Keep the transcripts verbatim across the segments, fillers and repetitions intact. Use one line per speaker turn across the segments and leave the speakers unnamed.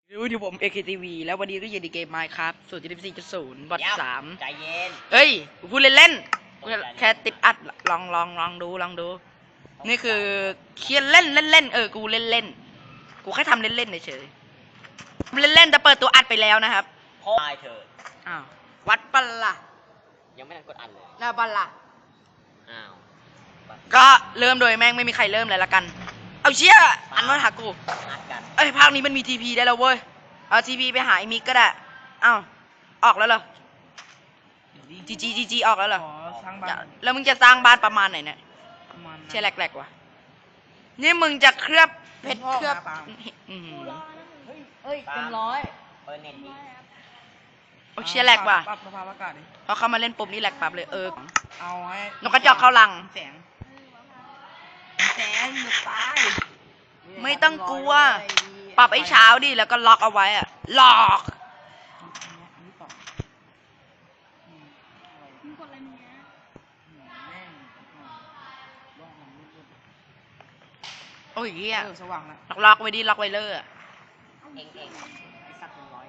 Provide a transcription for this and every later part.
ดูที่ผม เอ เค ที วี แล้ววันนี้ก็อยู่ในเกม Minecraft ศูนย์จุดสี่จุดศูนย์บอทสาม
ใจเย็น
เฮ้ยกูพูดเล่นๆแค่ติดอัดลองลองลองดูลองดู นี่คือเคียนเล่นเล่นเล่นเออกูเล่นเล่นกูแค่ทำเล่นเล่นเฉยเล่นเล่นแต่เปิดตัวอัดไปแล้วนะครับ
พ่อตายเถอะ
อ้าววัดปัลล่ะ
ยังไม่ทันกดอันเลย
หน้าปัลล่ะ
อ้าว
ก็เริ่มโดยแม่งไม่มีใครเริ่มเลยละกันเอาเชี่ยอันว่าหากู
อัดกัน
เอ้ยภาคนี้มันมีทีพีได้แล้วเว้ยเอาทีพีไปหาไอ้มิกก็ได้อ้าวออกแล้วเหรอจีจีจีจีออกแล้วเหรอ
ขอสร้างบ้าน
แล้วมึงจะสร้างบ้านประมาณไหนเนี่ย
ประมาณนั้น
เชี่ยแหลกๆว่ะนี่มึงจะเคลือบเพชร
พ่อ
เคลือบ
มาปาล์ม
อือหือ
เฮ้ยเต็มร้อย
เปิดเน็ตดิ
โอ้เชี่ยแหลกว่ะ
ปรับสภาพอากาศดิ
พอเข้ามาเล่นปุ๊บนี่แหลกปรับเลยเออ
เอาให้
นกกระจอกเข้ารัง
แสงแสงหมดตาย
ไม่ต้องกลัว ปรับไอ้เช้าดิแล้วก็ล็อกเอาไว้อะล็อก
อันนี้ต่ออืมอะไร
มึงกดอะไรมึงเนี้ย
อืมแม่งอ่าว่างมันไม่หยุด
โอ้ยเหี้ย
เออสว่างแล้ว
ล็อกล็อกไว้ดิล็อกไว้เลยอะ
เองเอง
ไอ้สัตว์เป็นร้อย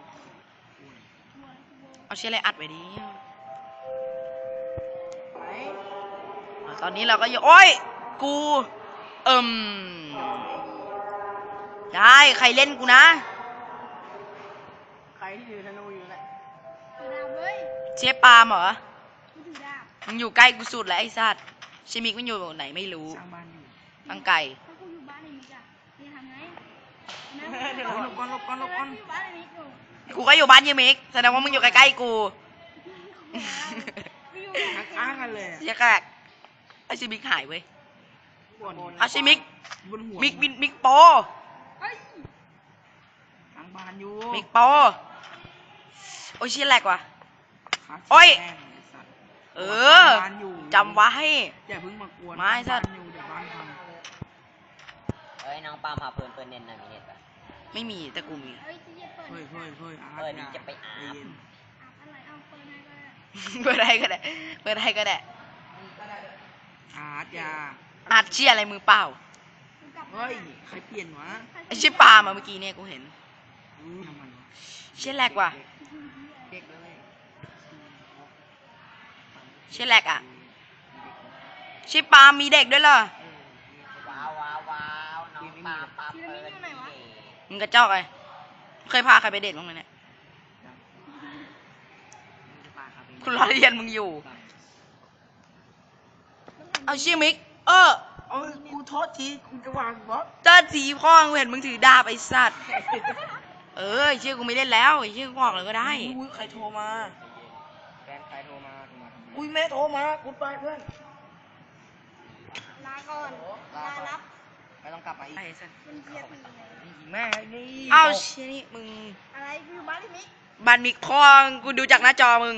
เอาเชี่ยอะไรอัดไว้ดิ
ไหน
ตอนนี้เราก็อยู่โอ้ยกูเอิ่มได้ใครเล่นกูนะ
ใครที่ถือธนูอยู่แหละ
ถือดาบเว้ย
เชฟปาล์มเหรอ
กูถือดาบ
มึงอยู่ใกล้กูสุดแล้วไอ้สัตว์ชิมิกมันอยู่ไหนไม่รู้
สร้างบ้านอยู่
ตั้งไก่
ถ้ากูอยู่บ้านไอ้มิกอะมึงจะทำไง
เดี๋ยวหลบก่อนหลบก่อนหลบก่อน
กูอยู่บ้านไอ้มิกอยู่
กูก็อยู่บ้านยูมิกแสดงว่ามึงอยู่ใกล้ๆกู
กูอยู่
ทักอ้างกันเลยอะ
เชี่ยแกกไอ้ชิมิกหายเว้ย
บน
เอาชิมิก
บนหัว
มิกมิกมิกโป
เฮ้ย
สร้างบ้านอยู่
มิกโปโอ้ยเชี่ยแหลกว่ะ
ขา
โอ้ย
แม่งไอ้สัตว์
เออ
บ้านอยู่
จำไว้
อย่าเพิ่งมากวน
ไม่สัตว์
บ้านอยู่เดี๋ยวบ้านพัง
เอ้ยน้องปาล์มพาเปิดเปิดเน็ตหน่อยมีเน็ตปะ
ไม่มีแต่กูมี
เฮ้ยจะเย็บเปิด
เฮ้ยเฮ้ยเฮ้ยอาร์ต
เปิดดิ
อย่า
จะไปอาบ
ใจเย็น
อาบอะไรเอาเปิดให้ก็ได้
เปิดได้ก็ได้เปิดได้ก็ได้
อาร์ตอย่า
อัดเชี่ยอะไรมือเปล่า
กูกลับมา
เฮ้ยใครเปลี่ยนวะ
ไอ้เชี่ยปาล์มอะเมื่อกี้เนี่ยกูเห็น
อืมทำไมวะ
เชี่ยแหลกว่ะ
เด็กเลย
เชี่ยแหลกอะเชี่ยปาล์มมีเด็กด้วยเหรอ
ว้าวว้าวว้าวน้องปาล์มปาล์มเปิดดิ
มึงกระจอกไงเคยพาใครไปเดทบ้างไหมเนี่ยคุณรอเรียนมึงอยู่ เอาเชี่ยมิก เออ
เอ้ยกูโทษทีกูจะวางบล็อก
เจ้าสีพ่อกูเห็นมึงถือดาบไอ้สัตว์ เออไอ้เชี่ยกูไม่เล่นแล้วไอ้เชี่ยกูออกเลยก็ได้
อุ้ยใครโทรมา
แฟนใครโทรมาโทรมาทำไม
อุ้ยแม่โทรมากูไปเพื่อน
ลาก่อนลารับ
ไม่ต้องกลับมาอีก
ไอ้สัตว์
เป็นเกียร์ตีเลย
แม่นี่
เอาเชี่ยนี่มึง
อะไรกูอยู่บ้านไอ้มิก
บันมิกพ่อกูดูจากหน้าจอมึง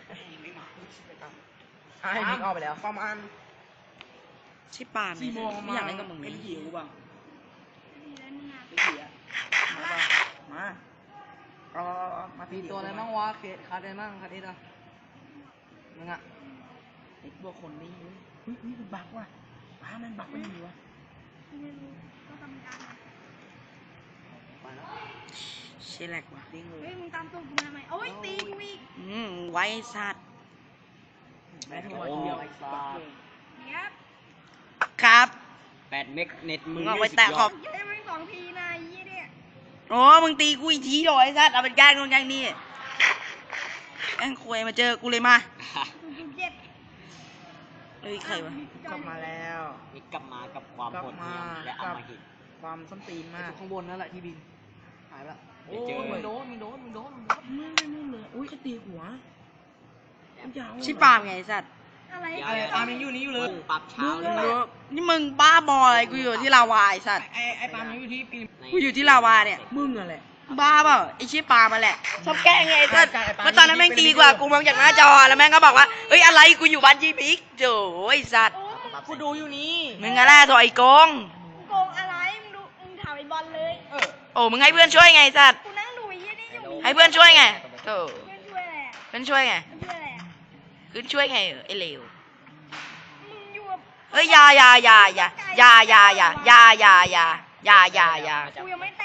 ไอ้มิกออกไปแล้วประมาณ
ใช่ปาล์ม
สี่โมง
ไม่อยากเล่นกับมึง
เป็น
เลย
หิวบ้าง
ดีแล้วมึงอ่ะ
เป็นหิวมาป่ะมาเอาเอาเอามาตีตัวอะไรบ้างวะเคสคาร์ดอะไรบ้างคาร์ดเอสอะมึงอะไอ้พวกคนนี้เว้ยอุ้ยอุ้ยมันบักว่ะป้ามันบักเป็นยังไงวะ
ไม่รู้ก็ทำการ
ไปแล้ว
เชี่ยแหลกว่ะ
ดิ้งเล
เฮ้
ย
ยมึงตามตัวกูมาไหมโอ้ยตีกูอีก
อืมไว้สัตว์
แม่โทรมาทีเดียวบักเลย
เนี้ย
ครับ
แปดเมกเน็ตมึ
มึ
ง
งเอาไปแตะขอบ
เย้ไม่สองทีนะไอ้ยี่เนี่ย
โอ้มึงตีกูอีกทีโดยไอ้สัตว์เอาเป็นแกล้งตรงแกล้งนี่แกล้งคุยมาเจอกูเลยมา
กูกูเจ็บ
เฮ้ยใครวะ
กลับมาแล้ว
มีกลับมากับความโหดเหี้ยมและอำมหิต
ความส้นตีนมากข้างบนนั่นแหละที่บินหายละ
เดี๋ยวเจอ
มึงโดนมึงโดนมึงโดนมึงโดนไม่ไม่ไม่เลยอุ้ยเขาตีหัวยาว
ชิปาล์มไงไอ้สัตว์
อะไร
เดี๋ยว
อะไร
เดี๋ยว
ปาล์มยังอยู่นี่อยู่เลย
ปรับเช้าหรือเป
รู้
ล่า
นี่มึงบ้าบออะไรกูอยู่ที่ลาวาไอ้สัตว์
ไอไอปาล์มยังอยู่ที่ปี
กูอยู่ที่ลาวาเนี่ย
มึงอะแหละ
บ้าเปล่าไอ้ชิปาล์มมาแหละชอบแกล้งไงไอ้สัตว์
ใช่ใช่ไอ้ปาล์ม
เมื่อตอนนั้นแม่งตีกว่ากูมองจากหน้าจอแล้วแม่งก็บอกว่าเฮ้ยอะไรกูอยู่บ้านจีพิกโจ้ไอ้สัตว์
โอ้ย
กูดูอยู่นี่
มึงอะไรตัวไอ้โกง
มึงโกงอะไรมึงดูมึงถามไอ้บอลเลย
เออ
โอ้มึงให้เพื่อนช่วยไงไอ้สัตว์
กูนั่งดูไอ้ยี่นี่อยู่
ให้เพื่อนช่วยไงโธ่
เพื่อนช่วยอะไรอ่ะ
เพื่อนช่วยไง
เพื่อนช่วยอะไรอ่ะ
เพื่อนช่วยไงไอ้เลว
มึงอยู่กับ
เฮ้ยอยาอยาอยาอยาอยาอยาอยาอยาอยาอยาอยาอยาอยา
กูยังไม่แต่ง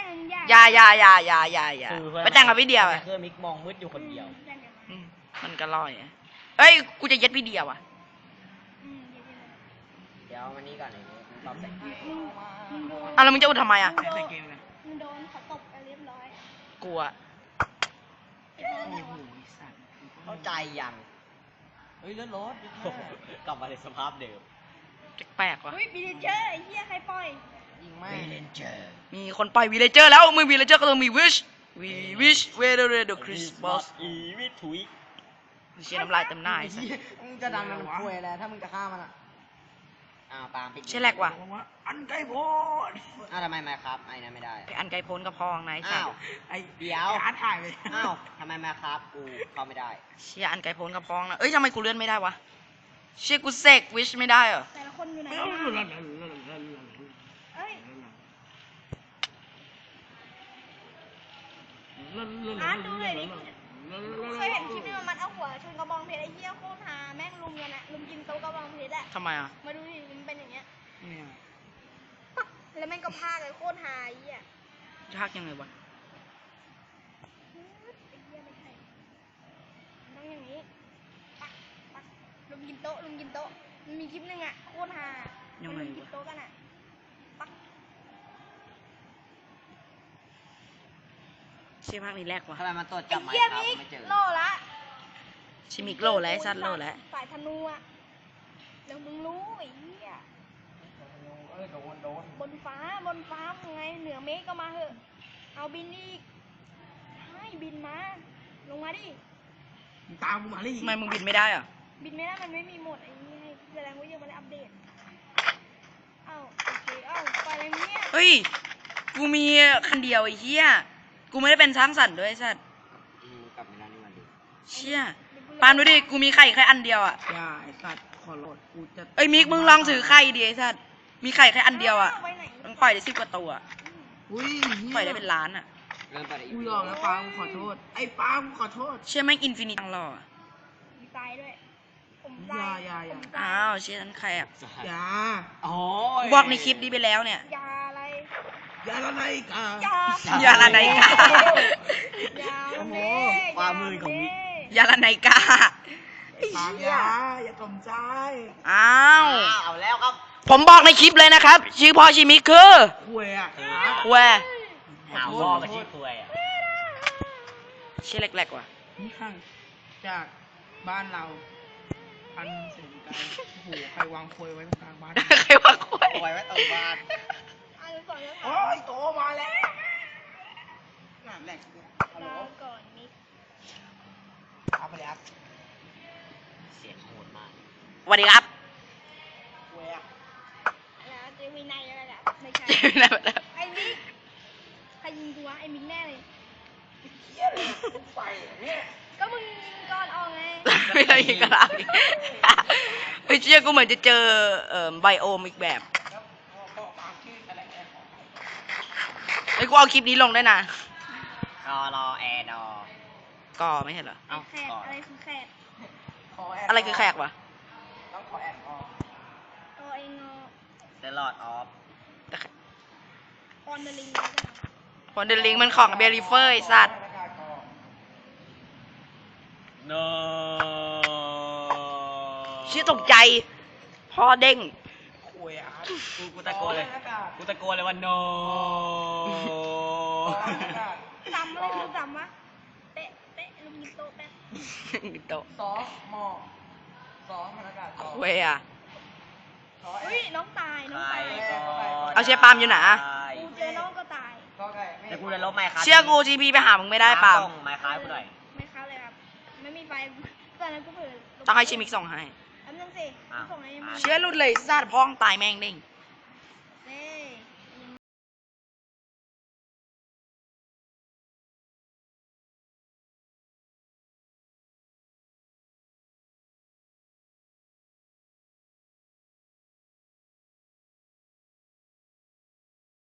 อย่าอย่าอย่าอย่าอย่าอย่า
คือเพื่อน
ไปแต่งกับพี่เดียวอะ
เพื่อนมิกมองมืดอยู่คนเดียว
อืมมันก็ร่อยอะเอ้ยกูจะเย็ดพี่เดียวอะ
อืมเดี๋ยว
เดี๋ยววันนี้ก่อนไอ้มิกตอบแต่ง
ๆมึงมึงโดน
อ่ะแล้วมึงจะอุดทำไมอะ
มึงโด
ใส่
น
เกมเลย
มึงโดนเขาตบไปเรียบร้อย
กูอะ
ไอ้พ่อ
โอ้
ไหน
โห
วะ
สัตว์
เข้าใจยัง
เฮ้ยเลือดรถ
กลับมาในสภาพเดิม
แปลกๆว่ะ
เฮ้ยบีเจอร์ไอ้เหี้ยใครปล่อย
ยิงไม่
เลนเจอร์
มีคนปล่อยวีเลเจอร์แล้วมึงวีเลเจอร์ก็ต้องมีวิชวีวิชเวเดอร์เดอะคริสต์มาส
อีวิถุย
เชียน้ำลายเต็มหน้าไอ้สัส
มึงจะดันมันคุยแล้วถ้ามึงจะฆ่ามันอ่ะ
อ้าวปาล์มปิด
เชี่ยแหลกว่ะ
บอกว่าอันไกลโพด
อ้าวทำไมมาครับไอ้นั่นไม่ได้
ไอ้อันไกลโพ้นกับพองนายสั
อ้า
ส
ว
ไอ้
เดี๋ยว
ไอ้อาร์ตถ่ายไป
อ้าวทำไมมาครับกูเข้าไม่ได้
เชี่ยอันไกลโพ้นกับพองนะเอ้ยทำไมกูเลื่อนไม่ได้วะเชี่ยกูเสกวิชไม่ได้เหรอ
แต่ละคนอยู่ไหน
เ
กันเอ้ยอาร์ตดูหน่อยดิเคยเห็นคลิปนี้มันเอาหัวชนกระบองเพชรไอ้เหี้ยโคตรฮาแม่งลุมกันอะลุมกินโต๊ะกระบองเพชรอะ
ทำไมอ่ะ
มาดูดิมันเป็นอย่างเงี้ย
นี่ย
แล้วแม่งก็พาเลยโคตรฮาไอ้เหี้ย
ยากยังไงวะ
ไอ้เหี้ยไม่ใช่ต้องอย่างนี้ปักปักลุมกินโต๊ะลุมกินโต๊ะมันมีคลิปหนึงอะโคตรฮามันลุมกินโต๊ะกันอะปัก
เชี่ยภาคนี้แรกว่ะ
ทำไมมันตรวจ
ไอ้
จับไม้
เหี้ย
ครับ
มิก
ไม่เจอ
โลละ
ชิมิกโลแล้วไอ้สัตว์โลแล้ว
สายธนูอะเดี๋ยวมึงรู้ไอ้เหี้ย
เออโดนโดน
บนฟ้าบนฟ้ามึงไงเหนือเมฆก็มาเหอะเอาบินอีกให้บินมา ลงมาดิ
มึงตามกูมาเลย
ทำไมมึงบินไม่ได้อ่ะ
บินไม่ได้มันไม่มีโหมดไอ้นี่ให้แสดงว่ายังไม่ได้อัปเดตเอ้าโอเคเอ้าไปอะไรเนี่ย
เฮ้ยกูมีคันเดียวไอ้เหี้ยกูไม่ได้เป็นช้างสันด้วยไอ้สัตว์
อืมกลับมาแล้วนี่มาดู
เชี่ยปาล์มดูดิกูมีไข่แค่อันเดียวอ่ะ
อย่าไอ้สัตว์ขอโหลดกูจะ
เอ้ยมิกมึงลองถือไข่ดิไอ้สัตว์มีไข่แค่อันเดียวอ่ะ
าไว้ไหน
มึงปล่อยได้สิบกว่าตัวอะ
อุ้ย
ปล่อยได้เป็นล้านอ่ะ
เริ่มไปได้อี
กู
ก
ยอมแล้วปากูขอโทษไอ้ปากูขอโทษ
เชี่ยแม่งอินฟินิตังหล่ออะ
มีตายด้วยผม
อย่า
ตาย
อย่าอย่า
ผมตา
อ้า
ยว
เชี่ยนั้นแขก
อย่า
โอ้ย
บอกในคลิปนี้ไปแล้วเนี่ย
ยาอะไร
อย่าละไรกา
ยา
อย่าละไนกา
ยามันเด้
ความมือของมิก
ยาละไนกา
ปามอย่าอย่ากลมใจ
อ้าว
อ้าวเอาแล้วครับ
ผมบอกในคลิปเลยนะครับ ชื่อพ่อชิมิคือ
คุยอ่ะ
แว
หาพ่อมาชี้คุยอ่ะ
เชี่ยแหลกๆว่ะ
นี่ข้างจากบ้านเราพันถึงไกลโอ้โหใครวางคุยไว้ตรงกลางบ้าน
ใครว่าคุย
คุยไว้ตรงบ้าน
อันสองแล้ว
โอ้ยโตมาแล้วงานแรกเนี่ยฮัลโหล
ลาก่อนมิก
เอาไปเลยครับ
เสียงโหดมาก
สวัสดีครับ
คุยอ่ะ
แล้วเจวินัยอะไรล่ะไม่ใช่ ไอ้มิกใครยิงกูวะไอ้มิกแน่เลย
เฮียเลยไฟเนี่ย
ก็มึงยิงก่อนออกไง
ไม่ได้ยินกันละเฮ้ยเชี่ยกูเหมือนจะเจอเอ่อไบโอมอีกแบบ
แล้วพอพอปากชื่ออะไรแอร์ของ
เฮ้ยกูเอาคลิปนี้ลงได้นะ
รอรอแอร์ดอ
ก็ไม่ใช่เหรอ
ไอ้แขกอะไรคือแขก
ขอแอร์
อะไรคือแขกวะ
ต้องขอแอร์ออก
ตัวเองอ
เดลอดออฟ
แต่แขก
ออนเดลิง
พอนเดลิงมันของเบริเฟอร์ไอ้สัตว์
โน
เชี่ยตกใจ พอเด้ง
คุยอ่ะ
กูกูตะโกนเลย กูตะโกนเลยว่า no
จำอะไรคือจำวะเตะเตะลุมยิงโต๊ะแป๊บ
โตะ
สอหมอสอพนักงานสอ
เวยอ่ะ
สอ
อุ้ยน้องตายน้อง
ใคร
ตาย
ก็
เอาเชียร์ปาล์มอยู่ไหนอะ
กูเจอน้องก็ตาย
ก็ไก่ไม่
แต่กูจะลบไมค์ครับ
เชื่อกูจีพีไปหามึงไม่ได้ปาล์ม
ส่งไมค์ครับกูหน่อย
ไม่เข้าเลยครับ ไม่มีไฟตอนนั้นกูเผลอ
ต้องให้ชิมิกส่งให้
แป๊บนึงสิส่งให้มึง
เชื่อรุดเลยสัตว์พ้องตายแม่งเด้ง